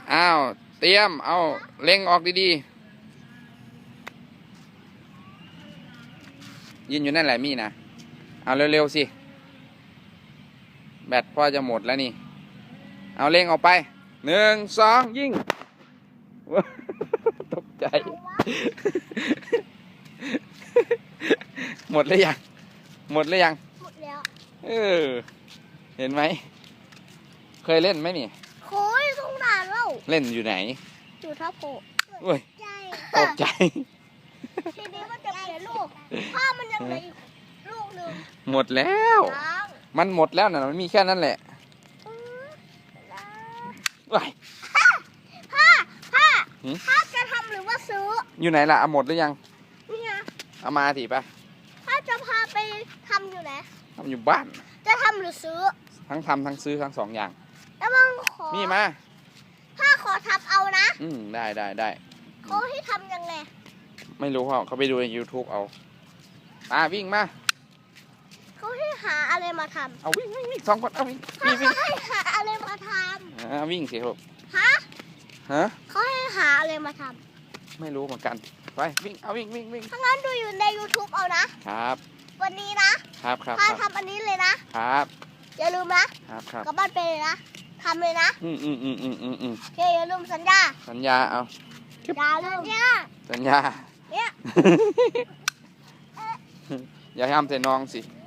อ้าวเตรียมเอาเล็งออกดีๆยืนอยู่นั่นแหละมี่นะเอาเร็วๆสิแบตพ่อจะหมดแล้วนี่เอาเล็งออกไป1 2ยิงตกใจหมดหรือยังหมดหรือยังหมดแล้วเห็นไหมเคยเล่นไหมนี่โค้ยทุ่งนาแล้วเล่นอยู่ไหนอยู่ท่าโพโอ้ยตกใจทีนี้มันจะเปลี่ยนลูกพ่อมันยังเหลืออีกลูกหนึ่งหมดแล้วมันหมดแล้วนะมันมีแค่นั้นแหละว้ายพ่อจะทำหรือว่าซื้ออยู่ไหนล่ะเอาหมดหรือยังนี่ไงเอามาสิปะพ่อจะพาไปทำอยู่ไหนทำอยู่บ้านจะทำหรือซื้อทั้งทำทั้งซื้อทั้ง2อย่างแล้วมึงขอมีมาพ่อขอทำเอานะได้เขาให้ทำยังไงไม่รู้เขาไปดูใน YouTube เอาวิ่งมาเขาให้หาอะไรมาทำเอาวิ่ง2 คนเอาวิ่งเขาให้หาอะไรมาทำวิ่งสิครับฮะเขาให้หาอะไรมาทำไม่รู้เหมือนกันไปวิ่งเอาวิ่งถ้างั้นดูอยู่ใน YouTube เอานะครับวันนี้นะครับพ่อทำอันนี้เลยนะครับอย่าลืมนะครับกลับบ้านไปเลยนะทำเลยนะโอเคอย่าลืมสัญญาเอาอย่าลืมสัญญาเนี่ยอย่าให้ทำใส่น้องสิ